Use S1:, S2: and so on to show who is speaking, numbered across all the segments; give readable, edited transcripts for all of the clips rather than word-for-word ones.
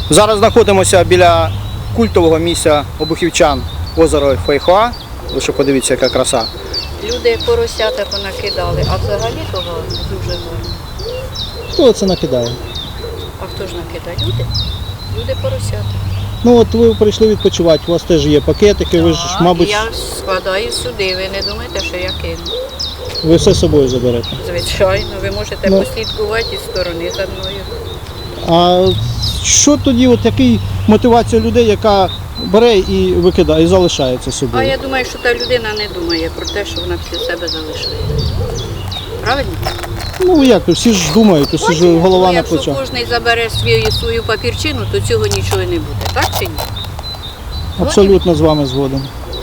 S1: Зараз знаходимося біля культового місця обухівчан озеро Фейхоа. Лише подивіться, яка краса.
S2: Люди поросята понакидали, а взагалі того дуже гарно.
S1: Хто це накидає?
S2: А хто ж накидає? Люди. Люди поросята.
S1: Ну от ви прийшли відпочивати, у вас теж є пакетики, ви ж,
S2: Так,
S1: мабуть,
S2: я складаю сюди, ви не думаєте, що я кину.
S1: ви все з собою заберете.
S2: Звичайно, ви можете
S1: Ну.
S2: послідкувати із сторони за мною.
S1: А що тоді, от який мотивація людей, яка бере і викидає, і залишається
S2: А
S1: собою?
S2: я думаю, що та людина не думає про те, що вона після себе залишає. Правильно?
S1: Ну як, всі ж думають, всі ж голова на
S2: Якщо
S1: плечах.
S2: кожен забере свою папірчину, то цього нічого не буде. Так чи ні?
S1: Абсолютно з вами згоден.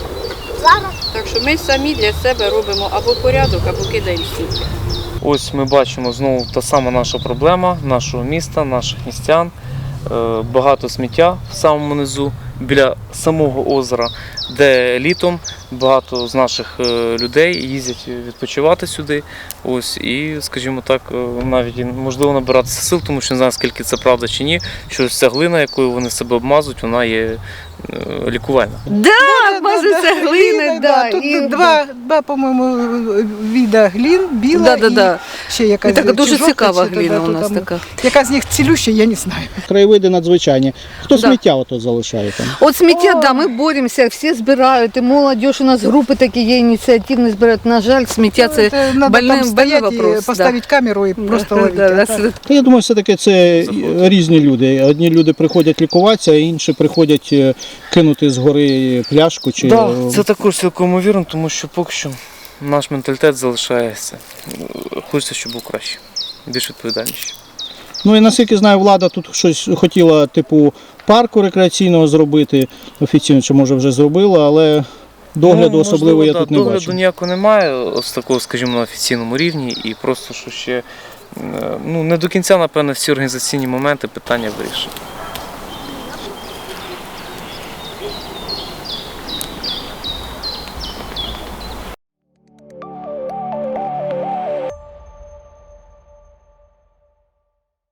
S2: Так що ми самі для себе робимо або порядок, або кидаємо сміття.
S3: Ось ми бачимо знову та сама наша проблема нашого міста, наших містян. Багато сміття в самому низу, біля самого озера, де літом багато з наших людей їздять відпочивати сюди. Ось, і, скажімо так, навіть можливо набиратися сил, тому що не знаю, скільки це правда чи ні, що ця глина, якою вони себе обмазують, вона є лікувальна.
S4: Да, мазаться глини, да.
S5: Тут два, по-моєму, віда глін, біла
S4: Да.
S5: і ще якась.
S4: І така дуже
S5: чи жовта,
S4: цікава
S5: чи
S4: глина
S5: то,
S4: у
S5: то
S4: нас
S5: там,
S4: така.
S5: Яка з них цілюща, я не знаю.
S1: Краєвиди надзвичайні. Хто
S4: Да.
S1: сміття ото залишає там?
S4: От сміття, да, ми боремося, всі збирають, і молодь, у нас групи такі є, ініціативні збирають. На жаль, сміття це
S5: Надо
S4: больний
S5: там стоять
S4: вопрос.
S5: і поставити камеру і просто ловити.
S4: Да,
S5: а так.
S1: Та я думаю, все-таки це різні люди. Одні люди приходять лікуватися, а інші приходять кинути з гори пляшку. Чи...
S3: Да, це також цілком вірно, тому що поки що наш менталітет залишається. Хочеться, щоб був краще, більш відповідальніше.
S1: Ну і наскільки знаю, влада тут щось хотіла, типу, парку рекреаційного зробити, офіційно, чи може вже зробила, але догляду особливо я тут не
S3: догляду
S1: бачу.
S3: ніякого немає, ось такого, скажімо, на офіційному рівні, і просто що ще не до кінця, напевно, всі організаційні моменти питання вирішені.